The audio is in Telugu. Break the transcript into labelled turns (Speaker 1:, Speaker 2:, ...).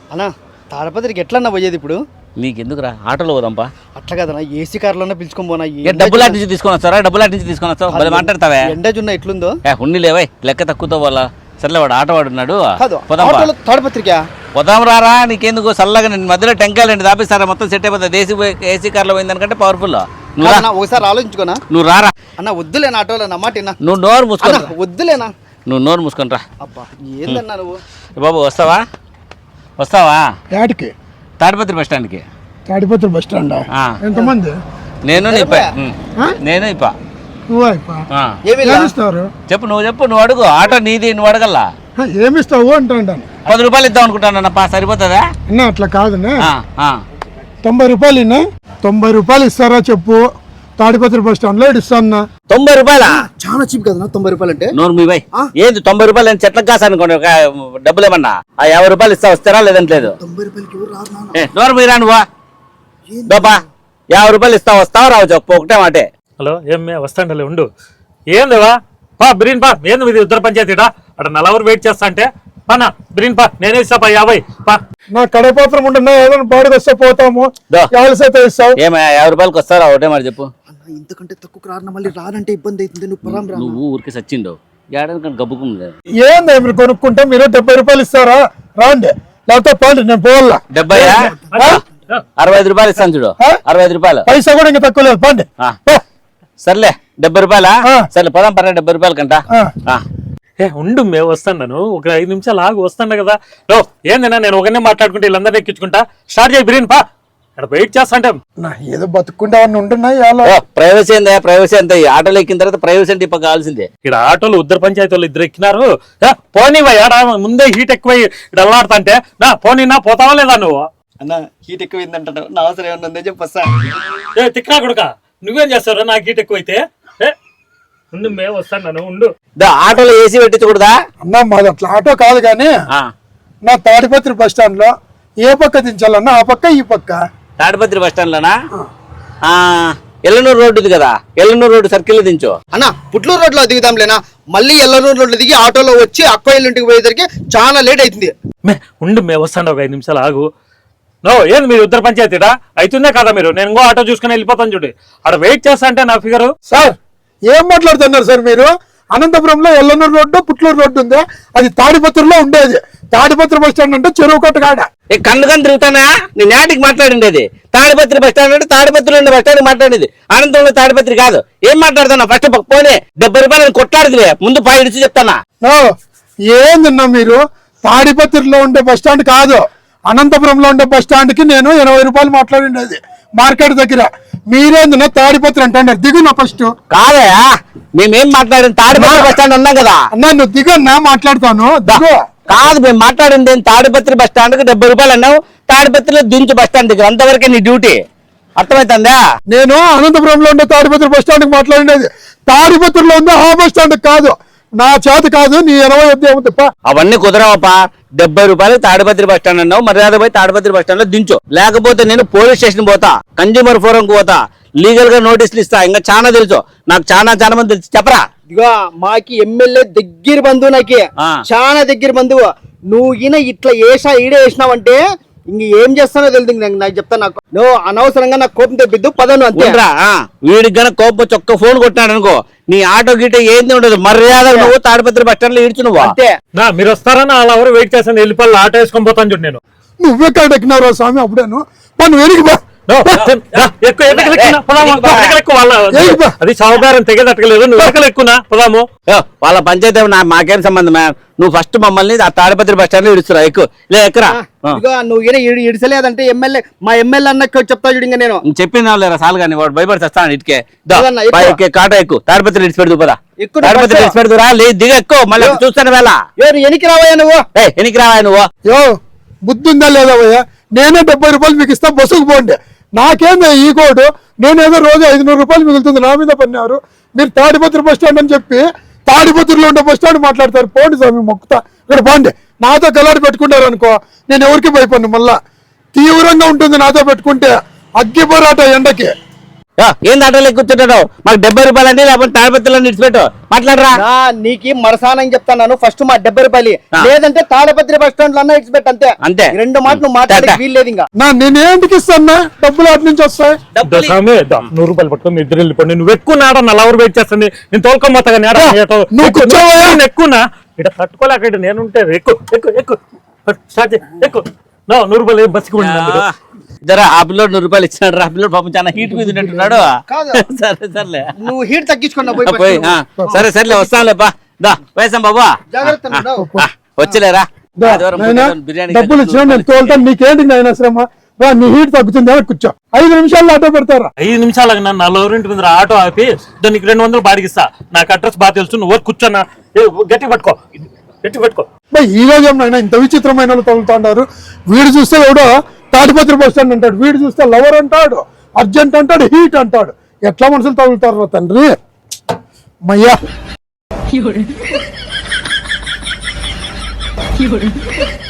Speaker 1: అన్నా తాడపత్రికి ఎట్లన్నా పోయేది ఇప్పుడు?
Speaker 2: నీకెందుకురా ఆటోలో పోదాంపా.
Speaker 1: అట్లా కదన్నా ఏసీ కార్లోనే పిలుచుకొని పోనా.
Speaker 2: డబ్బులు అటు నుంచి తీసుకొని వస్తారా? డబ్బులు అటు నుంచి తీసుకొని వస్తావు మరి మాట్లాడతావే.
Speaker 1: ఎండ జున్న ఎట్లుందో
Speaker 2: ఉండి లేవై లెక్క తక్కువతో వాళ్ళ సర్లే వాడు ఆటో వాడున్నాడు
Speaker 1: తాడపత్రిక
Speaker 2: పోదాం రారా. నీకెందుకు చల్లగా నేను మధ్యలో టెంకాయలు అండి దాపిస్తారా మొత్తం సెట్ అయిపోతుంది. ఏసీ కార్లో పోయిందనుకంటే పవర్ఫుల్.
Speaker 1: ఒకసారి ఆలోచించుకోనా.
Speaker 2: నువ్వు రారా
Speaker 1: అన్న వద్దులేనా ఆటోలో నమ్మాటినా.
Speaker 2: నువ్వు నోరు మూసుకొని
Speaker 1: వద్దులేనా.
Speaker 2: నువ్వు నోరు మూసుకొని రా.
Speaker 1: అబ్బా ఏందన్నా నువ్వు.
Speaker 2: బాబు వస్తావా
Speaker 3: యాడికి?
Speaker 2: తాడిపత్రి బస్ స్టాండ్కి.
Speaker 3: తాడిపత్రి బస్ స్టాండ్ ఎంతమంది?
Speaker 2: నేను ఇప్ప చెప్పు నువ్వు అడుగు. ఆటో నీది, నువ్వు అడగల్లా.
Speaker 3: ఏమిస్తావు అంటాను.
Speaker 2: 10 రూపాయలు ఇద్దాం అనుకుంటానప్పా, సరిపోతుందా?
Speaker 3: అన్న అట్లా కాదన్నా. 90 రూపాయలు 90 రూపాయలు ఇస్తారా చెప్పు. తాడిపత్రి బస్ స్టాండ్ లో ఇస్తాను.
Speaker 2: 90 రూపాయలా?
Speaker 1: చాలా చీప్ కదా 90 రూపాయలు అంటే.
Speaker 2: నోరు మీ బాయ్ ఏంది 90 రూపాయలు అని చెట్లకు కాసానుకోండి. డబ్బులు ఏమన్నా 50 రూపాయలు వస్తారా లేదంటే లేదు.
Speaker 1: 90 రూపాయలకి
Speaker 2: నోరు మీరా నువ్వు బాబా 50 రూపాయలు వస్తావా రావు చెప్పు ఒకటే మాటే.
Speaker 4: హలో ఏమే వస్తాండలే ఉండు. ఏందివా పా బిరీన్ పా. ఏంది మీది ఉత్తర పంచాయతీడా అక్కడ 4 అవర్ వెయిట్ చేస్తా అంటే పానా బిరీన్ పా. నేనే ఇస్తా పా 50 పా.
Speaker 3: నా కడపాత్రం ఉంటున్నా ఏదైనా బాడుగు వస్తే పోతాము. 50 ఇస్తావు.
Speaker 2: ఏమో 50 రూపాయలకి వస్తారా ఒకటే మాట చెప్పు.
Speaker 1: ఇంతకంటే తక్కువ రాను మళ్ళీ రానంటే ఇబ్బంది అవుతుంది.
Speaker 2: నువ్వు ఊరికి సచ్చిండు ఏడాది గబ్బుకుంది.
Speaker 3: ఏంది మీరు కొనుక్కుంటే మీరు 70 రూపాయలు ఇస్తారా? రాండి లేకపోతే పోండి, నేను పోవాలా.
Speaker 2: 70 65 రూపాయలు ఇస్తాను చూడు. 65 రూపాయలు
Speaker 3: పైసా కూడా ఇంకా తక్కువ లేదు. పోండి.
Speaker 2: సర్లే 70 రూపాయలా? సర్లే పదాం పర్రా 70 రూపాయలు కంట.
Speaker 4: ఉండు మేము వస్తాను. ఒక 5 నిమిషాలు ఆగి వస్తాను కదా. ఏందన్నా నేను ఒకనే మాట్లాడుకుంటే వీళ్ళందరినీ ఎక్కించుకుంటా. స్టార్ట్ చేయి బిరీన్ పా. ఇక్కడ వెయిట్ చేస్తా అంటే
Speaker 3: ఏదో బతుకుంటే ఉంటున్నాయి.
Speaker 2: ప్రైవసీ అంత ఆటోలో ఎక్కిన తర్వాత ప్రైవసీ అంటే ఇప్పుడు కావాల్సిందే.
Speaker 4: ఇక్కడ ఆటోలు ఉద్దర పంచాయతీ వాళ్ళు 2 ఎక్కినారు. పోనీవా ముందే హీట్ ఎక్కువై ఇక్కడ అల్లాడుతా అంటే పోనీనా పోతావా లేదా నువ్వు?
Speaker 1: అన్న హీట్ ఎక్కువైందంట. నా అవసరం ఏమన్నా ఉందని చెప్పొస్తా.
Speaker 4: తిక్కనా కొడుక నువ్వేం చేస్తావు నాకు హీట్ ఎక్కువైతే? ఉండు మేము వస్తాను ఉండు.
Speaker 2: ఆటోలో ఏసీ పెట్టించకూడదా
Speaker 3: అన్నా? మాది అట్లా ఆటో కాదు కానీ నా తాడిపత్రి బస్ స్టాండ్ లో ఏ పక్క దించాలన్నా ఆ పక్క ఈ పక్క.
Speaker 2: తాడిపత్రి బస్ స్టాండ్ లోనా? ఎల్లనూరు రోడ్డు ఉంది కదా, ఎల్లనూరు రోడ్డు సర్కిల్ దించు.
Speaker 1: అన్న పుట్లూరు రోడ్ లో దిగుదాంలేనా. మళ్ళీ ఎల్లనూరు రోడ్లో దిగి ఆటోలో వచ్చి అక్క ఇంటికి పోయేసరికి చాలా లేట్ అవుతుంది.
Speaker 4: ఉండు మేము వస్తాను. ఒక 5 నిమిషాలు ఆగు. ఏంది మీరు ఉత్తర పంచాయతీడా అవుతుందే కదా మీరు? నేను ఇంకో ఆటో చూసుకుని వెళ్ళిపోతాను చూడు. అక్కడ వెయిట్ చేస్తా అంటే నా ఫిగరు.
Speaker 3: సార్ ఏం మాట్లాడుతున్నారు సార్ మీరు? అనంతపురంలో ఎల్లనూరు రోడ్డు పుట్లూరు రోడ్డు ఉంది, అది తాడిపత్రిలో ఉండేది. తాడిపత్రి బస్ స్టాండ్ అంటే చెరువు కట్ట కాడ.
Speaker 2: కన్ను తిరుగుతానా? నేను నాటికి మాట్లాడిండేది తాడిపత్రి బస్ స్టాండ్ అంటే తాడిపత్రిలో ఉండే బస్ స్టాండ్ మాట్లాడేది. అనంతపురంలో తాడిపత్రి కాదు. ఏం మాట్లాడుతున్నా? ఫస్ట్ పోనీ 70 రూపాయలు కొట్లాడుతుంది. ముందు 5 ఇచ్చి చెప్తానా.
Speaker 3: ఏందన్నా మీరు? తాడిపత్రిలో ఉండే బస్ స్టాండ్ కాదు, అనంతపురంలో ఉండే బస్ స్టాండ్ కి నేను 80 రూపాయలు మాట్లాడిండేది మార్కెట్ దగ్గర. మీరేందన్నా తాడిపత్రి అంటున్నారు? దిగునా ఫస్ట్.
Speaker 2: కాదా మేమేం మాట్లాడింది? తాడిపత్రి బస్ స్టాండ్ ఉన్నాం కదా
Speaker 3: అన్నా. నువ్వు దిగన్నా మాట్లాడతాను.
Speaker 2: కాదు మేము మాట్లాడింది తాడిపత్రి బస్ స్టాండ్ కి 70 రూపాయలు అన్నావు. తాడిపత్రిలో దించు బస్ స్టాండ్ దగ్గర, అంతవరకే నీ డ్యూటీ. అర్థమవుతుందా?
Speaker 3: నేను అనంతపురంలో ఉండే తాడిపత్రి బస్ స్టాండ్ కి మాట్లాడినది. తాడిపత్రిలో ఉండే ఆ బస్ స్టాండ్ కాదు. నా చేత కాదు. నీ 20 తప్ప
Speaker 2: అవన్నీ కుదరవప్పా. 70 రూపాయలు తాడిపత్రి బస్ స్టాండ్ అన్నావు. మర్యాద పోయి తాడిపత్రి బస్ స్టాండ్ లో దించు. లేకపోతే నేను పోలీస్ స్టేషన్ పోతా, కన్జ్యూమర్ ఫోరం కు పోతా, లీగల్ గా నోటీసులు ఇస్తా. ఇంకా చాలా తెలుసు నాకు, చాలా మంది తెలుసు. చెప్పరా?
Speaker 1: ఇదిగో మాకి ఎమ్మెల్యే దగ్గర బంధువు, నాకి చాలా దగ్గర బంధువు. నువ్వు ఇట్లా ఈడే వేసినావంటే ఇంక ఏం చేస్తానో తెలియదు. నాకు చెప్తా. నాకు నువ్వు అనవసరంగా నాకు కోపం తెప్పిద్దు. పదను అంతేరా.
Speaker 2: వీడికి గన కోపం వచ్చి ఒక్క ఫోన్ కొట్టినాడు అనుకో, నీ ఆటో గీట ఏంది ఉండదు. మర్యాద నువ్వు తాడిపత్రి బస్ స్టాండ్ లో ఇడ్చు నువ్వు. అంతే.
Speaker 4: మీరు వస్తారని అలా ఎవరు వెయిట్ చేస్తాను. వెళ్ళిపోయి ఆటో వేసుకొని పోతాను చూడు. నేను
Speaker 3: నువ్వే ఎక్కినావు స్వామి అప్పుడేను. నువ్వు వెనక్కి
Speaker 4: అది సౌకారం తెగదట్టలేదు. నువ్వు వెనకలు ఎక్కునా పోదాము.
Speaker 2: వాళ్ళ పంచాయతీ మాకేం సంబంధం? నువ్వు ఫస్ట్ మమ్మల్ని ఆ తాడిపత్రి బస్ స్టాండ్ లో ఇడుస్తురా. ఎక్కువ లే ఎక్కరా.
Speaker 1: నువ్వు ఇడిసలేదంటే మా ఎమ్మెల్యే అన్న చెప్తా చూడు. ఇంకా నేను
Speaker 2: చెప్పిన లేరా సాల్ కానీ వాడు భయపడి వస్తాను. ఇటుకే కాటా ఎక్కువ తాడిపత్రి ఇడిచి పెడుతూ పదా. తాడిపత్రి ఇడిచి పెడుతురా. లేదు దిగ ఎక్కువ. మళ్ళీ చూస్తాను వేళ.
Speaker 1: ఎనికి రావయ్యా నువ్వు?
Speaker 2: ఎనికి రావా నువ్వు?
Speaker 3: బుద్ధి ఉందా లేదా భయ్యా? నేనే 70 రూపాయలు మీకు ఇస్తా, బస్సుకు పోండి. నాకేందా ఈ కోడు? నేనేదో రోజు 500 రూపాయలు మిగులుతుంది, నా మీద పన్నారు. మీరు తాడిపత్రి బస్ స్టాండ్ అని చెప్పి తాడిపత్రిలో ఉండే బస్ స్టాండ్ మాట్లాడతారు. పోండి స్వామి మొక్కుతా. ఇక్కడ పోండి. నాతో కలాడి పెట్టుకుంటారు అనుకో, నేను ఎవరికి భయపడిను. మళ్ళా తీవ్రంగా ఉంటుంది నాతో పెట్టుకుంటే. అగ్గి పోరాట ఎండకి.
Speaker 2: ఏం ఆటోలో కూర్చుంటాడు? మాకు 70 రూపాయలు అంటే లేకపోతే తాడిపత్రిలో నిడిచిపెట్టు మాట్లాడరా.
Speaker 1: నీకు మరసానని చెప్తాను, ఫస్ట్ మా 70 రూపాయలు లేదంటే తాడపత్రి బస్ స్టాండ్ లో అన్నా ఇచ్చిపెట్టు అంతే.
Speaker 2: అంతే.
Speaker 1: రెండు మాటలు నువ్వు మాట్లాడే వీల్లేదు. ఇంకా
Speaker 3: నేను ఏంటికి ఇస్తాను డబ్బులు అటు నుంచి వస్తాయి?
Speaker 4: 100 రూపాయలు పట్టుకుని ఇద్దరు వెళ్ళిపోండి. నువ్వు ఎక్కువ నాడ నలవరు వెయిట్ చేస్తుంది. నేను తోలుకోమోతా
Speaker 3: నువ్వు కూర్చోవయ్యా.
Speaker 4: ఎక్కువనా ఇక్కడ తట్టుకోలేక ఇక్కడ నేనుంటే ఎక్కువ ఎక్కువ ఎక్కువ స్టార్ట్ ఎక్కువ 100 రూపాయలు బస్సుకు
Speaker 2: జరా ఆ పిల్లోడు 100 రూపాయలు ఇచ్చినాడు. ఆ పిల్లోడు పాపం చాలా హీట్ మీద ఉన్నట్టున్నాడు.
Speaker 1: కాదు.
Speaker 2: సరే సర్లే,
Speaker 1: నువ్వు హీట్ తగ్గించుకున్నా
Speaker 2: పోయి సరే సర్లే వస్తానులే బా. దా వేసాం బాబా, వచ్చలేరా
Speaker 3: డబ్బులు ఇచ్చిన నేను తోలుతాను. నీకేంటి నాయన శ్రమ? నీ హీట్ తగ్గుతుంది అని కూర్చో. 5 నిమిషాల్లో ఆటో పెడతారా?
Speaker 4: 5 నిమిషాలకు నన్ను 4 ముందు ఆటో ఆపి దానికి 200 బాడిగిస్తా. నాకు అడ్రస్ బాగా తెలుసు. నువ్వు కూర్చోన్నా గట్టి పట్టుకో, గట్టి పట్టుకో.
Speaker 3: ఈ రోజు ఏమైనా ఇంత విచిత్రమైన వాళ్ళు తగులుతున్నారు. వీడు చూస్తే ఎవడో తాడిపత్రి బస్ స్టాండ్ అంటాడు, వీడు చూస్తే లవర్ అంటాడు, అర్జెంట్ అంటాడు, హీట్ అంటాడు. ఎట్లా మనుషులు తగులుతారు తండ్రి మయ్యా.